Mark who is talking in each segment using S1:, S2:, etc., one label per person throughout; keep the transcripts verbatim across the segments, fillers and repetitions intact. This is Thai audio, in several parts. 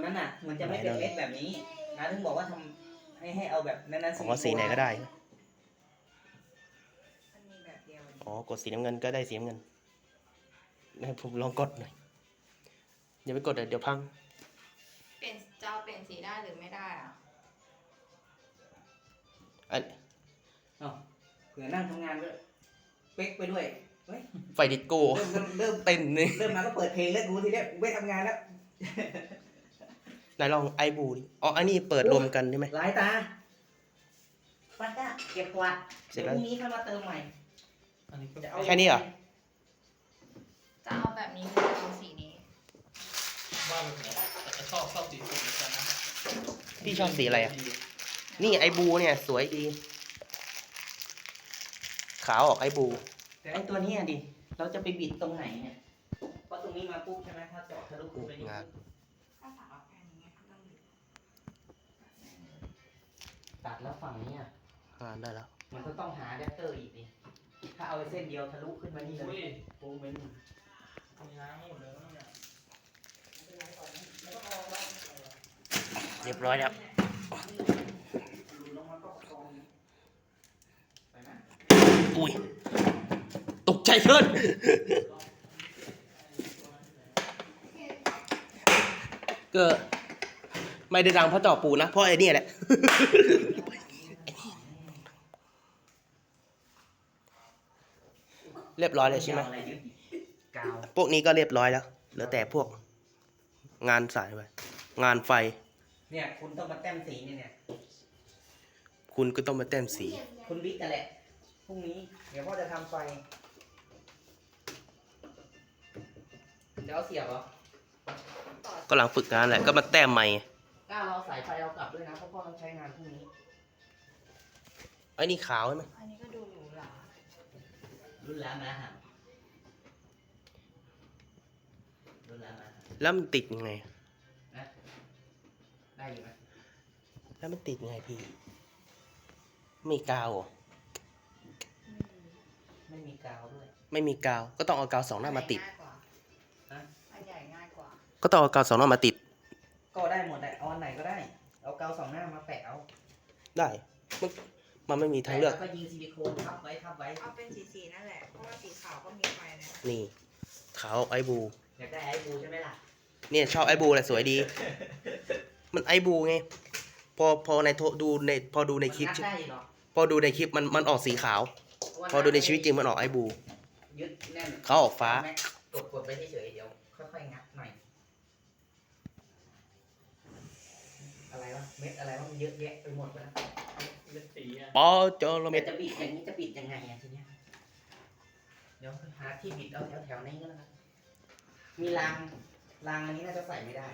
S1: นั้นน่ะมันจะไม่เป็นเม็ดแบบนี้นะถึงบอกว่าทำให้ให้เอาแบบนั้นๆ
S2: อ๋อสีไหนก็ได้
S3: มันมีแบบเดียว
S2: อ๋อกดสีน้ำเงินก็ได้สีน้ำเงินให้ผมลองกดหน่อยอย่าไปกดเดี๋ยวเดี๋ยวพัง
S3: เปลี่ยนจะเอาเปลี่ยนสีได้หรือไม่ได้อ่ะ
S2: อัน
S1: เอ้าเผื่อนั่งทำงานด้วยเป๊กไปด้วยเฮ้ย
S2: ไฟดิสโก้
S1: เริ่มเริ่มเริ่ม
S2: เต้นนี่
S1: เริ่มมาก็เปิดเพลงแล้วกูทีเนี้ยกูไม่ทำงานแล้ว
S2: ไหนลองไอบูดิอ๋ออันนี้เปิดรวมกันใช่ไหม
S1: หลายตาปัดก้าเก็บกวาด
S2: เสร็
S1: เดี๋
S2: จ
S1: ยว
S2: แล้ว
S1: พรุ่งนี้ค่อยมาเติมใหม่
S4: อันนี้ก็
S1: จะเอา
S2: แค่นี้เหรอ
S3: จะเอาแบบนี้หรือเอาสีนี้
S4: บ้าแบบไหนแต่จะชอบชอบสีสุดเหมือนกันนะ
S2: พี่ชอบสีอะไรอ่ะนี่ไอบูเนี่ยสวยดีขาวออกไอบู
S1: แต่ไอตัวเนี้ยดิเราจะไปบิดตรงไหนเนี่ยเพราะตรงนี้มาปุ๊บใช่ไหมถ้าเจาะทะลุขึ้นไปนี่
S2: งาน
S3: ถ้าสั่งเอาแค่นี้ก็ต้องดู
S1: ตัดแล้วฝั่งนี้อ่ะ
S2: งานได้แล้ว
S1: มันก็ต้องหาอะแดปเตอร์อีกดิถ้าเอาเส้นเดียวทะลุขึ้นมานี่เล
S4: อุ้
S1: ย
S4: ยโปรเมนมีน้ำหมดเลยนะเนี่ย
S2: เรียบร้อยแล้วอุ้ยตกใจเพิ่นก็ไม่ได้ดังเพราะต่อปูนะเพราะไอ้นี่แหละ เรียบร้อยเลยใช่ไหม
S1: กาว
S2: พวกนี้ก็เรียบร้อยแล้วเหลือแต่พวกงานสายไปงานไฟ
S1: เนี่ยคุณต้องมาแต้มสีเนี่ยเนี่ย
S2: คุณก็ต้องมาแต้มสี
S1: คุณบิ๊กกันแหละพรุ่งนี้เดี๋ยวพ่อจะทำไฟจะเอาเสียบเหรอ
S2: ก็หลังฝึกงานแหละก็มาแต้มใหม่
S1: กล้าเราสายไฟเอากลับด้วยนะเพราะพ่อต้องใช้งานพรุ่งนี้
S2: ไอ้นี่ขาวใช่ไหม
S3: อันนี้ก็ดูหรูหรา
S1: รุ่นแล้วนะฮะรุ่นแล้วนะฮะ
S2: แล้วมันติดยังไง
S1: นะได้อยู่ไหม
S2: แล้วมันติดยังไงพี่มีกาวเหรอ
S1: ไม่มีกาวด้วย
S2: ไม่มีกาวก็ต้องเอากาวสองหน้ามาติด
S3: ง่ายกว่า
S1: ฮะ
S3: อันใหญ่ง่ายกว่า
S2: ก็ต้องเอากาวสองหน้ามาติด
S1: ก็ได้หมดแหละเอาอันไหนก็ได้เอากาวสองหน้ามาแปะเอา
S2: ได้มันมันไม่มีทางเลือก
S1: แปะแล้วก็ยิงซิลิโคนทับไว้ทับไว้
S3: เอาเป็นสีสีนั่นแหละ เพราะว่าสีขาวก็มีไฟนะ
S2: นี่ขาวไอบู
S1: อยากได้ไอ้บูใช่ไหมล่ะ
S2: เนี่ยชอบไอบูแหละสวยดี มันไอบูไงพอพอในโทดูในพอดูในคลิป
S1: มันงัดได้เหรอ
S2: พอดูในคลิปมันมันออกสีขาว พอดูในชีวิตจริงมันออกไอบู
S1: ยึดแน่น
S2: เขาออกฟ้า
S1: กดกดไปเฉยๆเดี๋ยวค่อยๆงัดหน่อยอะไรวะเม็ดอะไรวะมันเยอะแยะไปหมดเลยนะ
S4: เม็ดสีอ่ะ
S2: ปอจอโลเม
S1: แต่
S2: ตร
S1: จะบิดอย่างนี้จะบิดยังไงอะทีเนี้ยเดี๋ยวหาที่บิดเอาแถวๆนี้ก็แล้วกันมีรางรางอันนี้น่าจะใส่ไม่ได้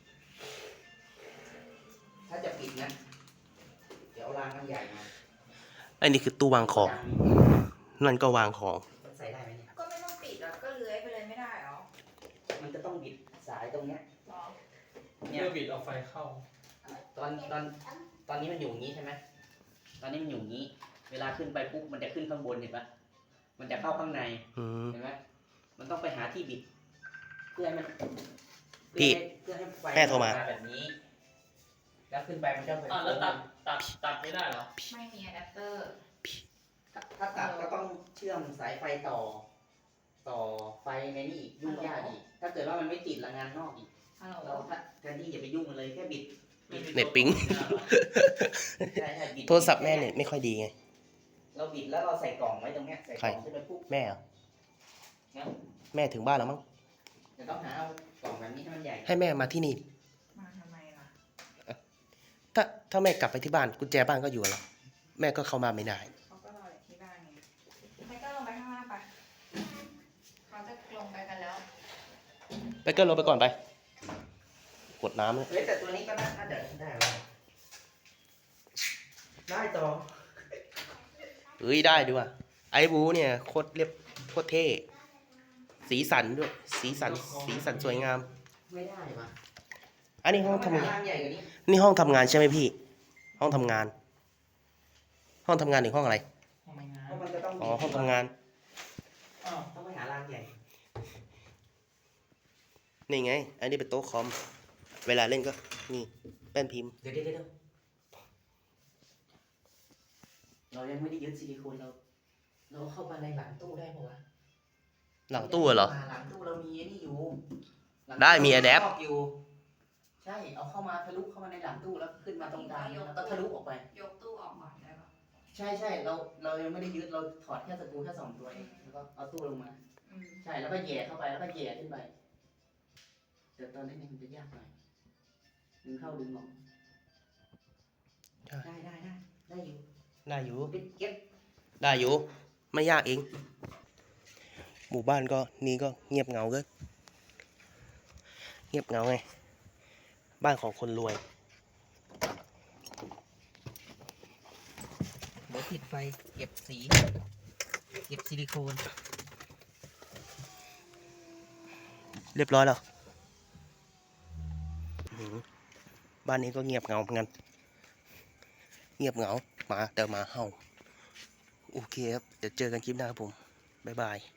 S1: ถ้าจะปิดนะเดี๋ยวเอารางมันใหญ่มา
S2: ไอ้นี่คือตู้วางของนั่นก็วางของ
S1: มันใส่ได้ไหมเนี่ย
S3: ก็ไม่ต้องปิดแล้วก็เลื้อยไปเลยไม่ได้เหรอ
S1: มันจะต้องบิดสายตรงเนี้ย
S3: หรอ
S1: เนี่ย
S4: เพื่อบิดเอาไฟเข้า
S1: ตอนตอนตอนนี้มันอยู่อย่างนี้ใช่ไหมตอนนี้มันอยู่อย่างนี้ เวลาขึ้นไปปุ๊บมันจะขึ้นข้างบนเห็นปะมันจะเข้าข้างใน
S2: อืม
S1: เห็นไหมมันต้องไปหาที่บิด เพื่อให้มัน
S2: พี่
S1: เพื่อให้เพื่อให้ไฟ
S2: แม่โทรมา
S1: แบบนี้ แล้วขึ้นไปมันจะเป็น
S4: อ่ะแล้วตัดตัดตัดไม่ได้เหรอ
S3: ไม่มีอะแดปเตอร์
S1: ถ้าถ้าตัดก็ต้องเชื่อมสายไฟต่อ ต่อไฟในนี่อีกยุ่งยากอีก ถ้าเกิดว่ามันไม่ติดละงานนอกอีก
S3: ฮัลโหล
S1: เราแทนที่จะไปยุ่งมันเลยแค่บิด
S2: เน็ตปิ๊ง
S1: ใช่ใช่บิด
S2: โทรศัพท์แม่เนี่ยไม่ค่อยดีไง
S1: เราบิดแล้วเราใส่กล่องไว้ตรงเนี้ยใส่กล่องขึ้นไปปุ๊บ
S2: แม่เหรอ
S1: นะ
S2: แม่ถึงบ้านแล้วมั้ง
S1: จะต้องหาเอากล่องแบบนี้ให้มันใหญ่
S2: ให้แม่มาที่นี่
S3: มาทำไมล่ะ
S2: ถ้าถ้าแม่กลับไปที่บ้านกุญแจบ้านก็อยู่กับเราแม่ก็เข้ามาไม่ได้
S3: เขาก็รออยู่ที่บ้านไงไม่ก็ลงไปข้างล่างไปเขาจะลงไปกันแล้ว
S2: ไปเกินลงไปก่อนไป กดน้ำเลย
S1: เฮ้ยแต่ตัวนี้ก็น่าจะได้แล้วได้ต่อ
S2: เอ้ยได้ดีว่ะไอ้บูเนี่ยโคตรเรียบโคตรเท่สีสันด้วยสีสันสีสันสวยงาม
S1: ไม่ได้ปะ
S2: อันนี้ห้องทำงาน
S1: รางใหญ่กว่านี้
S2: นี่ห้องทำงานใช่ไหมพี่ ห้องทำงาน ห้องทำงานหรือห้องอะไร
S4: ทำไมงาน
S1: เพราะมันจะต้อง
S2: อ๋อห้องทำงาน
S4: อ้าว
S1: ต้องไปหารางใหญ่
S2: นี่ไง อันนี้เป็นโต๊ะคอมเวลาเล่นก็นี่แป้นพิมพ์
S1: เดี๋ยวเดี๋ยวเดี๋ยวเรายังไม่ได้ยึดซิลิโคนเรา เราเข้ามาในหลังตู้ได้ปะวะ
S2: หลังตู้เหรอ
S1: หลังตู้เรามีไอ้นี่อยู่หลังตู้
S2: ได้มี adapt
S1: ครบอยู่ใช่เอาเข้ามาทะลุเข้ามาในหลังตู้แล้วขึ้นมาตรงกลางแล้วก็ทะลุออกไป
S3: ยกตู้ออกก่อนได้ปะ
S1: ใช่ใช่เราเรายังไม่ได้ยึดเราถอดแค่สกรูแค่สองตัวเองแล้วก็เอาตู้ลงมา
S3: อืม
S1: ใช่แล้วก็แหย่เข้าไปแล้วก็แหย่ขึ้นไปแต่ตอนนี้มันจะยากหน่อยดึงเข้าดึงออก
S2: ใช่
S1: ได้ได้ได้ได้อยู่
S2: ได้อยู่
S1: ปิดเก็บ
S2: ได้อยู่ ไม่ยากเอง หมู่บ้านก็นี่ก็เงียบเหงาเกินเงียบเหงาไง บ้านของคนรวย
S1: เดี๋ยวติดไฟเก็บสีเก็บซิลิโคน
S2: เรียบร้อยแล้วอื้อหือบ้านนี้ก็เงียบเหงาเหมือนกัน เงียบเหงาหมาแต่หมาเห่า โอเคครับ เดี๋ยวเจอกันคลิปหน้าครับผม บ๊ายบาย